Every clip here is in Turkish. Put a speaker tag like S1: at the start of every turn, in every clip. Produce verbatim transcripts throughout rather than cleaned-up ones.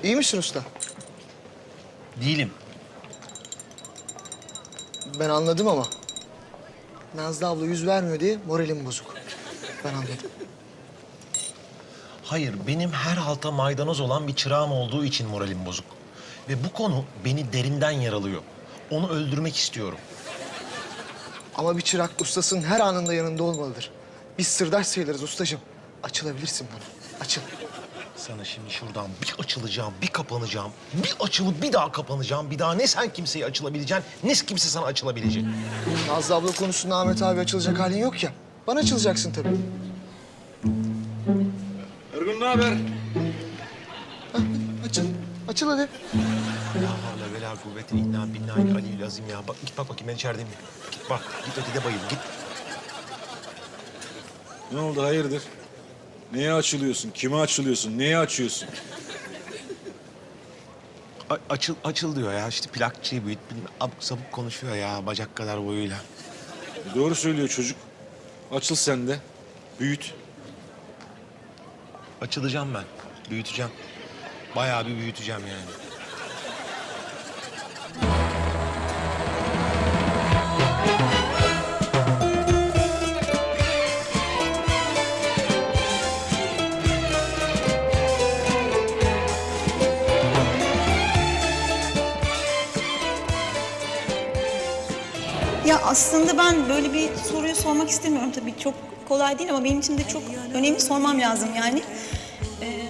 S1: İyi misin usta?
S2: Değilim.
S1: Ben anladım ama. Nazlı abla yüz vermiyor diye moralim bozuk. Ben anladım.
S2: Hayır, benim her halta maydanoz olan bir çırağım olduğu için moralim bozuk. Ve bu konu beni derinden yaralıyor. Onu öldürmek istiyorum.
S1: Ama bir çırak ustasının her anında yanında olmalıdır. Biz sırdaş sayılırız ustacığım. Açılabilirsin bana. Açıl.
S2: Sana şimdi şuradan bir açılacağım, bir kapanacağım. Bir açılıp bir daha kapanacağım. Bir daha ne sen kimseye açılabileceksin, ne kimse sana açılabilecek.
S1: Nazlı abla konusunda Ahmet abi açılacak halin yok ya. Bana açılacaksın tabii.
S3: Ergun ne haber?
S1: Hah, açıl. Açıl hadi.
S2: La havle ve la kuvvete illa billahi aliyyil azim ya. Bak git bak bakayım ben içerideyim. Git bak, git ötede bayıl, git.
S3: Ne oldu hayırdır? Neye açılıyorsun? Kime açılıyorsun? Neye açıyorsun?
S2: A- açıl, açıl diyor ya. İşte plakçıyı büyüt, bilmem, abuk sabuk konuşuyor ya bacak kadar boyuyla.
S3: E doğru söylüyor çocuk. Açıl sen de. Büyüt.
S2: Açılacağım ben, büyüteceğim. Bayağı bir büyüteceğim yani.
S4: Ya aslında ben böyle bir soruyu sormak istemiyorum tabii. Çok kolay değil ama benim için de çok önemli, sormam lazım yani. Ee,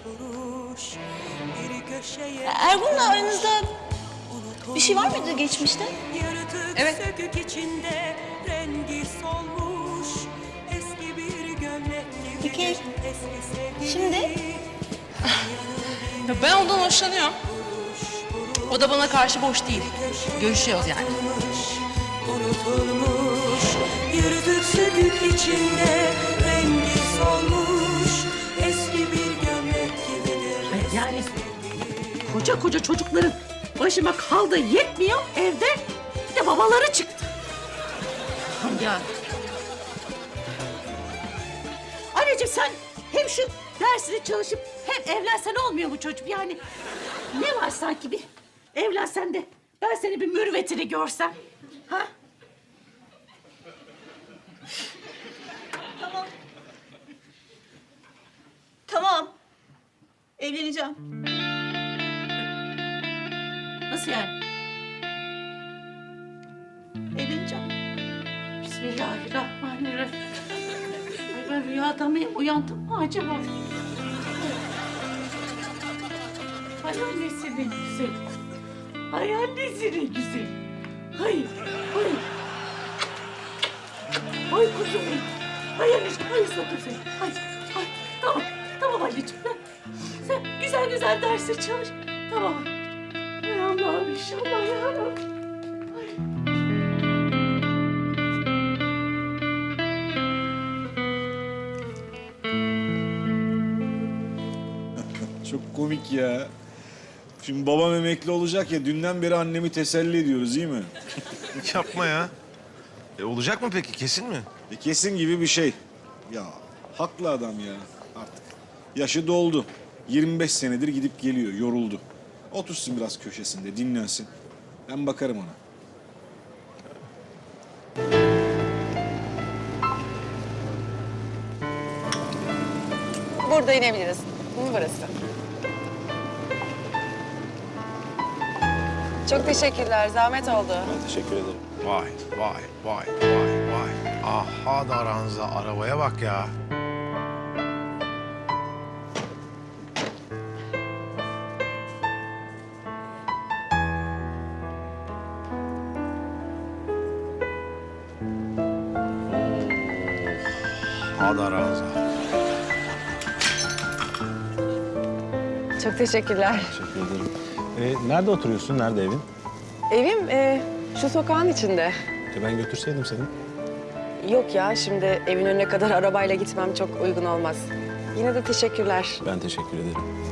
S4: Ergun'la aranızda bir şey var mıydı geçmişte?
S5: Evet.
S4: Peki şimdi?
S5: Ya ben ondan hoşlanıyorum. O da bana karşı boş değil. Görüşüyoruz yani.
S6: Unutulmuş, yürüdük sökük içinde, rengi solmuş, eski bir gömlek gibidir.
S7: Yani koca koca çocukların başıma kaldığı yetmiyor evde. Bir de babaları çıktı. Ya. Anneciğim sen hem şu dersini çalışıp hem evlensen olmuyor mu çocuk? Yani ne var sanki bir evlensen de ben seni bir mürüvvetini görsem. Ha?
S4: Tamam. Tamam. Evleneceğim.
S7: Nasıl yani?
S4: Evleneceğim.
S7: Bismillahirrahmanirrahim. Ay ben rüyada mıyım? Uyandım mı acaba? Ay annesi ne güzel. Ay annesi ne güzel. Ay, ay. Ay kuzum benim. Ay anneciğim, ay ıslattım seni. Ay, ay. Tamam, tamam anneciğim. Sen, sen güzel güzel derse çalış. Tamam anneciğim. Ay Allah'ım inşallah yarabbim.
S3: Çok komik ya. Şimdi babam emekli olacak ya, dünden beri annemi teselli ediyoruz değil mi?
S2: Yapma ya. E, olacak mı peki, kesin mi?
S3: E kesin gibi bir şey. Ya haklı adam ya artık. Yaşı doldu. yirmi beş senedir gidip geliyor, yoruldu. Otursun biraz köşesinde, dinlensin. Ben bakarım ona.
S5: Burada inebiliriz. Bu mu burası? Çok teşekkürler. Zahmet oldu.
S3: Ben teşekkür ederim.
S2: Vay, vay, vay, vay, vay. Aha da aranıza, arabaya bak ya. Hadi aranıza.
S5: Çok teşekkürler.
S8: Teşekkür ederim. Ee, nerede oturuyorsun? Nerede evin?
S5: Evim e, şu sokağın içinde.
S8: E, ben götürseydim seni.
S5: Yok ya, şimdi evin önüne kadar arabayla gitmem çok uygun olmaz. Yine de teşekkürler.
S8: Ben teşekkür ederim.